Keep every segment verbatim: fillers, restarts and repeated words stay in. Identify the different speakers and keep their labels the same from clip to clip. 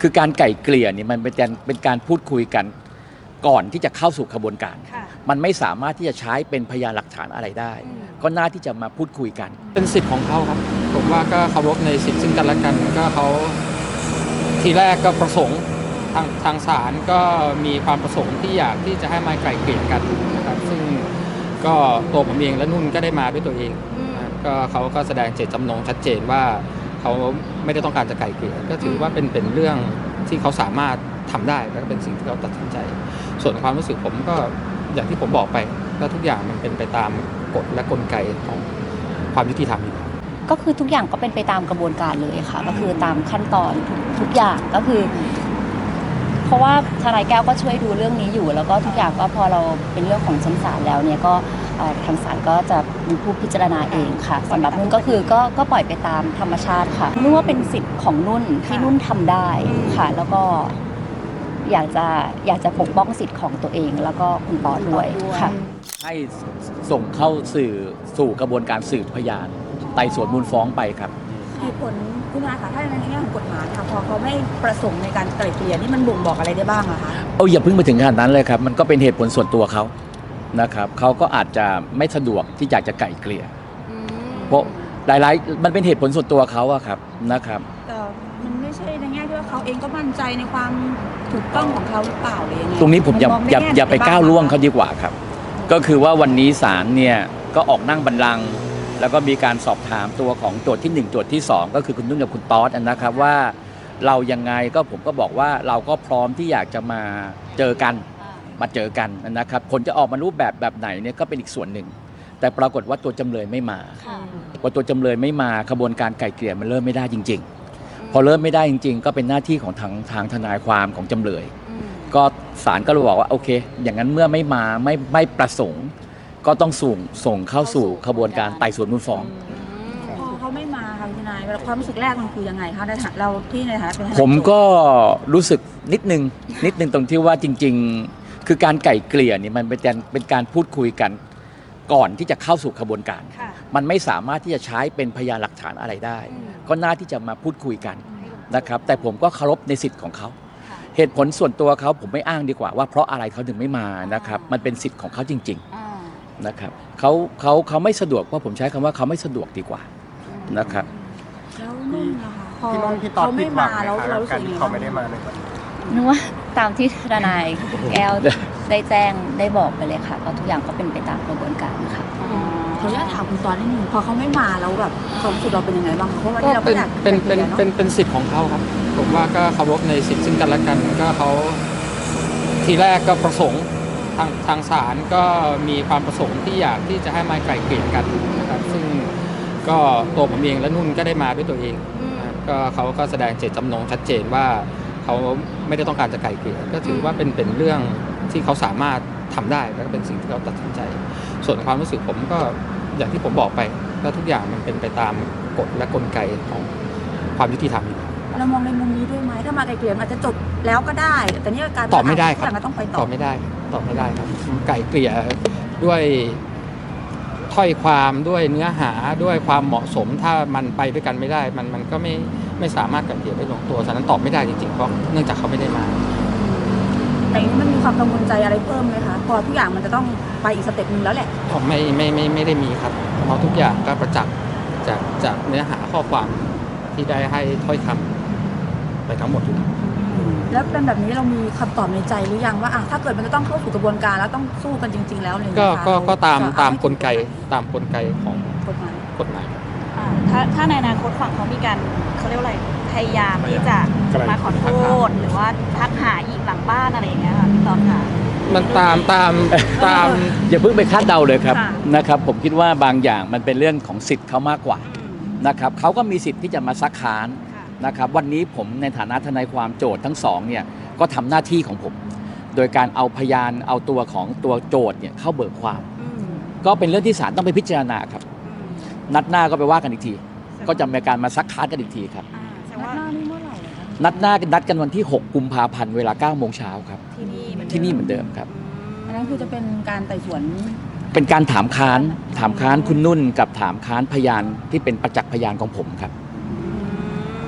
Speaker 1: คือการไก่เกลี่ยนี่มันเป็นการเป็นการพูดคุยกันก่อนที่จะเข้าสู่กระบวนการมันไม่สามารถที่จะใช้เป็นพยานหลักฐานอะไรได้ก็น่าที่จะมาพูดคุยกัน
Speaker 2: เป็นสิทธิ์ของเขาครับผมว่าก็เคารพในสิทธิ์ซึ่งกันและกันก็เขาทีแรกก็ประสงค์ทางทางศาลก็มีความประสงค์ที่อยากที่จะให้มาไกล่เกลี่ยกันนะครับซึ่งก็ตัวผมเองและนุ่นก็ได้มาด้วยตัวเองก็เขาก็แสดงเจตจำนงชัดเจนว่าเขาไม่ได้ต้องการจะไกล่เกลี่ยก็ถือว่าเป็นเป็นเรื่องที่เขาสามารถทำได้และเป็นสิ่งที่เขาตัดสินใจส่วนความรู้สึกผมก็อย่างที่ผมบอกไปก็ทุกอย่างมันเป็นไปตามกฎและกลไกของความยุติธรรม
Speaker 3: ก็คือทุกอย่างก็เป็นไปตามกระบวนการเลยค่ะก็คือตามขั้นตอนทุกทุกอย่างก็คือเพราะว่าทนายแก้วก็ช่วยดูเรื่องนี้อยู่แล้วก็ทุกอย่างก็พอเราเป็นเรื่องของชั้นศาลแล้วเนี่ยก็ทางศาลก็จะมีผู้พิจารณาเองค่ะสำหรับนุ่นก็คือก็ก็ปล่อยไปตามธรรมชาติค่ะนุ่นว่าเป็นสิทธิ์ของนุ่นที่นุ่นทำได้ค่ะแล้วก็อยากจะอยากจะปกป้องสิทธิ์ของตัวเองแล้วก็คุณปอด้วยค่ะ
Speaker 1: ให้ส่งเข้าสื่อสู่กระบวนการสืบพยานไต่สวนมูลฟ้องไปครับ
Speaker 4: เหตุผลคุณนายคะถ้าในแง่ของกฎหมายค่ะพอเขาไม่ประสงค์ในการไกล่เกลี่ยนี่มันบ่งบอกอะไรได้บ้างอะคะ
Speaker 1: เอาอย่าเพิ่งไปถึงขนาดนั้นเลยครับมันก็เป็นเหตุผลส่วนตัวเขานะครับเขาก็อาจจะไม่สะดวกที่อยากจะไกล่เกลี่ยเพราะหลายๆมันเป็นเหตุผลส่วนตัวเขาอะครับนะครับ
Speaker 4: แต่มันไม่ใช่ในแง่ที่ว่าเขาเองก็มั่นใจในความถูกต้องของเขาหรือเปล่าเลยยังไง
Speaker 1: ตรงนี้ผมอย่าอย่าอย่าไปก้าวล่วงเขาดีกว่าครับก็คือว่าวันนี้ศาลเนี่ยก็ออกนั่งบัลลังก์แล้วก็มีการสอบถามตัวของโจทย์ที่หนึ่งโจทย์ที่สองก็คือคุณนุ่นกับคุณต๊อดนะครับว่าเรายังไงก็ผมก็บอกว่าเราก็พร้อมที่อยากจะมาเจอกันมาเจอกันนะครับผลจะออกมารูปแบบแบบไหนเนี่ยก็เป็นอีกส่วนหนึ่งแต่ปรากฏว่าตัวจำเลยไม่มาพอตัวจำเลยไม่มาขบวนการไกล่เกลี่ยมันเริ่มไม่ได้จริงๆพอเริ่มไม่ได้จริงๆก็เป็นหน้าที่ของทางทางทนายความของจำเลยก็ศาลก็เลยบอกว่าโอเคอย่างนั้นเมื่อไม่มาไม่ไม่ประสงค์ก็ต้องส่งส่งเข้าสู่ขบวนการไต่สวนมูลฟ้อง
Speaker 4: พอเขาไม่มาค่ะคุณนายความรู้สึกแรกมันคือยังไงคะในฐานะเราที่ในฐานะเป็น
Speaker 1: ผมก็รู้สึกนิดนึงนิดนึงตรงที่ว่าจริงๆคือการไก่เกลี่ยนี่มันเป็นการเป็นการพูดคุยกันก่อนที่จะเข้าสู่ขบวนการมันไม่สามารถที่จะใช้เป็นพยานหลักฐานอะไรได้ก็น่าที่จะมาพูดคุยกันนะครับแต่ผมก็เคารพในสิทธิ์ของเขาเหตุผลส่วนตัวเขาผมไม่อ้างดีกว่าว่าเพราะอะไรเขาถึงไม่มานะครับมันเป็นสิทธิ์ของเขาจริงๆนะครับเขาเขาเขาไม่สะดวกเพราะผมใช้คำว่าเขาไม่สะดวกดีกว่านะครับ
Speaker 4: แล้วนุ่นนะคะพอ
Speaker 5: เขาไม่มาแล้วเรารู้สึกยังไงเขาไม่ได้มาเลย
Speaker 3: นึกว่าตามที่ทนายแก้วได้แจ้งได้บอกไปเลยค่ะก็ทุกอย่างก็เป็นไปตามกระบวนการค่ะ
Speaker 4: ขออนุญาตถามคุณตอนนิดนึงพอเขาไม่มาแล้วแบบความรู้สึกเราเป็นยังไงบ้างเพราะว่าเรา
Speaker 2: เป็นเป็นเป็นเป็นเป็นสิทธิ์ของเขาครับผมว่าก็เคารพในสิทธิ์ซึ่งกันและกันก็เขาทีแรกก็ประสงค์ทางทางศาลก็มีความประสงค์ที่อยากที่จะให้มาไกล่เกลี่ยกันนะครับซึ่งก็ตัวผมเองและนุ่นก็ได้มาด้วยตัวเองก็เขาก็แสดงเจตจำนงชัดเจนว่าเขาไม่ได้ต้องการจะไกล่เกลี่ยก็ถือว่าเป็นเป็นเรื่องที่เขาสามารถทำได้และเป็นสิ่งที่เขาตัดสินใจส่วนความรู้สึกผมก็อย่างที่ผมบอกไปก็ทุกอย่างมันเป็นไปตามกฎและกลไกของความยุติธรรม
Speaker 4: เรามองในมุมนี้ด้วยไหมถ้ามาไกล่เกลี่ยอาจจะจบแล้วก็ได้แต่นี่การ
Speaker 2: ตอบไม่ได้ครับ
Speaker 4: ต้องไปต่
Speaker 2: อตอบไม่ได้ตอบไม่ได้ครับไกล่เกลี่ยด้วยถ้อยความด้วยเนื้อหาด้วยความเหมาะสมถ้ามันไปด้วยกันไม่ได้มันมันก็ไม่ไม่สามารถไกล่เกลี่ยได้ลงตัวฉะนั้นตอบไม่ได้จริงๆเพราะเนื่องจากเขาไม่ได้มา
Speaker 4: แต่นี้มันมีความกังวลใจอะไรเพิ่มไหมคะพอทุกอย่างมันจะต้องไปอีกสเต็ปนึงแล้วแหละ
Speaker 2: ผมไม่ไม่ไม่ไม่ได้มีครับเพราะทุกอย่างก็ประจักษ์จากจากเนื้อหาข้อความที่ได้ให้ถ้อยคำไปทั้งหมดอยู่
Speaker 4: แล้วเป็นแบบนี้เรามีคำตอบในใจหรือยังว่าถ้าเกิดมันจะต้องเข้าสู่กระบวนการแล้วต้องสู้กันจริงๆแล้วเลย
Speaker 2: ก็ก็ก็ตามตามกลไกตามกลไกของ
Speaker 4: กฎหมาย
Speaker 2: กฎหมาย
Speaker 6: ถ้าถ้าในอนาคตฝั่งเขามีการเขาเรียกว่าอะไรพยายามที่จะมาขอโทษหรือว่าทักหาอีกหลังบ้านอะไรอย่างเงี้ยค่ะพี่ตอนค่ะ
Speaker 2: มันตามตามตาม
Speaker 1: อย่าเพิ่งไปคาดเดาเลยครับนะครับผมคิดว่าบางอย่างมันเป็นเรื่องของสิทธิ์เขามากกว่านะครับเขาก็มีสิทธิ์ที่จะมาซักค้านนะครับวันนี้ผมในฐานะทนายความโจทย์ทั้งสองเนี่ยก็ทำหน้าที่ของผมโดยการเอาพยานเอาตัวของตัวโจทย์เนี่ยเข้าเบิกความก็เป็นเรื่องที่ศาลต้องไปพิจารณาครับนัดหน้าก็ไปว่ากันอีกทีก็จะมีการมาซักค้านกันอีกทีครับ
Speaker 4: นัดหน้านี่เมื่อไหร่
Speaker 1: นัดหน้านัดกันวันที่หกกุมภาพันธ์เวลาเก้าโมงเช้าครับ
Speaker 4: ที่นี่
Speaker 1: ที่นี่เหมือนเดิมครับ
Speaker 4: อันนั้นคือจะเป็นการไต่สวน
Speaker 1: เป็นการถามค้านถามค้านคุณนุ่นกับถามค้านพยานที่เป็นประจักษ์พยานของผมครับ
Speaker 4: แ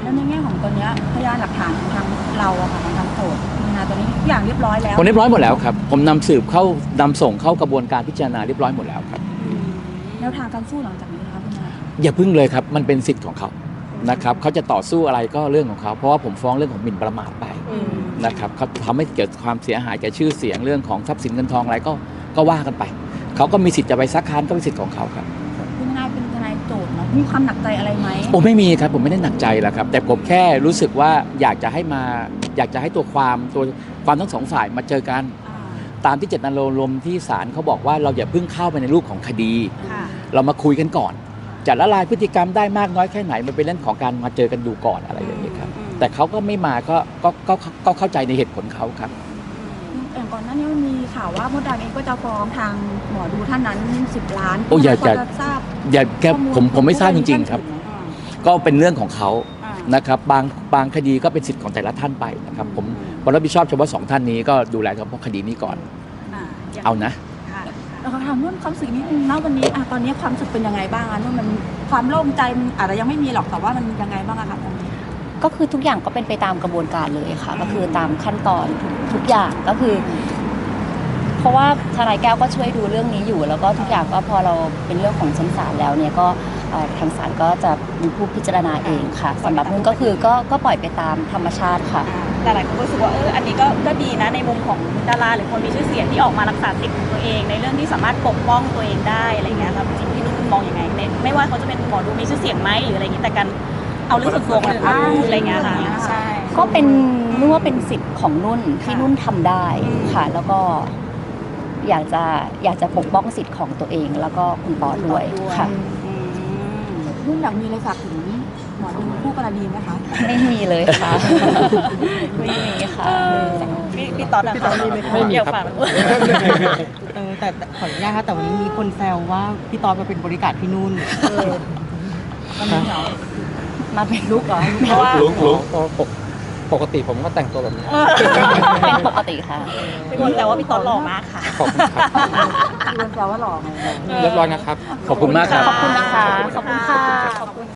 Speaker 4: แล้วในแง่ของตอนเนี้ยพยานหลักฐานของทางเราอะค่ะของทางโจทย์นะตอนนี้ทุกอย่างเรียบร้อยแล้ว
Speaker 1: ผมเรียบร้อยหมดแล้วครับผมนำสืบเข้านำส่งเข้ากระบวนการพิจารณาเรียบร้อยหมดแล้วครับ
Speaker 4: แนวทางการสู้หลังจากนี้นะคะคุณนาย
Speaker 1: อย่าพึ่งเลยครับมันเป็นสิทธิ์ของเขานะครับเขาจะต่อสู้อะไรก็เรื่องของเขาเพราะว่าผมฟ้องเรื่องของหมิ่นประมาทไปนะครับเขาทำให้เกิดความเสียหายแก่ชื่อเสียงเรื่องของทรัพย์สินเงินทองอะไรก็ก็ว่ากันไปเขาก็มีสิทธิ์จะไปซักค้านก็เป็นสิทธิ์ของเขาครับ
Speaker 4: คุณนายเป็นทนายโจทย์เนาะมีความหนักใจอะไรไหม
Speaker 1: ผมไม่มีครับผมไม่ได้หนักใจแล้วครับแต่ผมแค่รู้สึกว่าอยากจะให้มาอยากจะให้ตัวความตัวความทั้งสองฝ่ายมาเจอกัน
Speaker 4: อ่า
Speaker 1: ตามที่เจตนารมณ์ที่ศาลเขาบอกว่าเราอย่าเพิ่งเข้าไปในรูปของคดี
Speaker 6: ค่ะ
Speaker 1: เรามาคุยกันก่อนจะละลายพฤติกรรมได้มากน้อยแค่ไหนมันเป็นเรื่องของการมาเจอกันดูก่อนอะไรอย่างนี้ครับแต่เขาก็ไม่มาก็ก็ก็ก็เข้าใจในเหตุผลเขาครับ
Speaker 4: อย่างก่อนหน้านี้มันมีข่าวว่ามดดำเองก็จะฟ้องทางหมอดูท่านนั้นสิบล้าน
Speaker 1: โอ้อย่า
Speaker 4: พ
Speaker 1: อย่า
Speaker 4: จะทราบ
Speaker 1: อย่าแก
Speaker 4: ข้อล
Speaker 1: ผมผมไม่ทราบจริงๆครับ
Speaker 4: ท่านถึไหม
Speaker 1: ก็เป็นเรื่องของเขา
Speaker 6: อ่า
Speaker 1: นะครับบางบางคดีก็เป็นสิทธิ์ของแต่ละท่านไปนะครับผมผมรับผิดชอบเฉพาะสองท่านนี้ก็ดูแลเฉพาะคดีนี้ก่อน
Speaker 6: อ่าย่ง
Speaker 1: เอานะ
Speaker 6: ค่ะ
Speaker 4: เราถามนุ่นความรู้สึกนิดนึงนะวันนี้อะตอนนี้ความรู้สึกเป็นยังไงบ้างอะนุ่นมันความโล่งใจมันอาจจะยังไม่มีหรอกแต่ว่ามันยังไงบ้างอะคะตอนนี้
Speaker 3: ก็คือทุกอย่างก็เป็นไปตามกระบวนการเลยค่ะ ก็คือตามขั้นตอนทุกทุกอย่างก็คือ เพราะว่าทนายแก้วก็ช่วยดูเรื่องนี้อยู่ แล้วก็ทุกอย่างก็พอเราเป็นเรื่องของชั้นศาลแล้วเนี่ยก็เอ่อทางศาลก็จะเป็นผู้พิจารณาเองค่ะสำหรับนุ่นก็คือก็ก็ปล่อยไปตามธรรมชาติค่ะ
Speaker 6: แต่หลายคนก็รู้สึกว่าเอออันนี้ก็ก็ดีนะในมุมของดาราหรือคนมีชื่อเสียงที่ออกมารักษาสิทธิ์ของตัวเอง ในเรื่องที่สามารถปกป้องตัวเองได้อะไรเงี้ยครับจริงๆพี่นุ่นมองยังไงในไม่ว่าเขาจะเป็นหมอดูมีชื่อเสียงไหมหรืออะไรอย่างนี้แต่การเอาเรื่องส่วนตัวคนอื่นมาพูดอะไรเงี้ยค่ะใช่
Speaker 3: ก็เป็นนุ่นว่าเป็นสิทธิ์ของนุ่นที่นุ่นทำได้ค่ะ แล้วก็อยากจะอยากจะปกป้องสิทธิ์ของตัวเอง แล้วก็คุณปอด้วยค่ะ
Speaker 6: อืม
Speaker 4: นุ่นอยากมีอะไรฝากถึงหมอดูคู่กรณีไหมคะ
Speaker 3: ไม่มีเลยค่ะ ไม่มีค่ะ
Speaker 6: พี่พี่ต๊อดอะ
Speaker 2: พี่ต๊อดมีไหมครับไม่มีครับ
Speaker 6: เดี๋ยวฝาก
Speaker 7: เออแต่แต่ขออนุญาตค่ะแต่วันนี้มีคนแซวว่าพี่ตอนมาเป็นบริการพี่นุ่น
Speaker 4: วันนี้เหรอ
Speaker 3: มาเป็นลูกเหรอ
Speaker 6: เพราะว่า
Speaker 2: ลุกลุกปกปกติผมก็แต่งตัวแบบนี้
Speaker 3: เป็นปกติค่ะ
Speaker 6: เป็นคนแต่ว่าพี่ต๊อดหล่อมากค่ะ
Speaker 2: ขอบคุณครับ
Speaker 4: คือมันแปลว่าหล่อไง
Speaker 2: เรียบร้อยนะครับ
Speaker 1: ขอบคุณมากครับ
Speaker 3: ขอบคุณนะคะ ขอบคุณค่ะ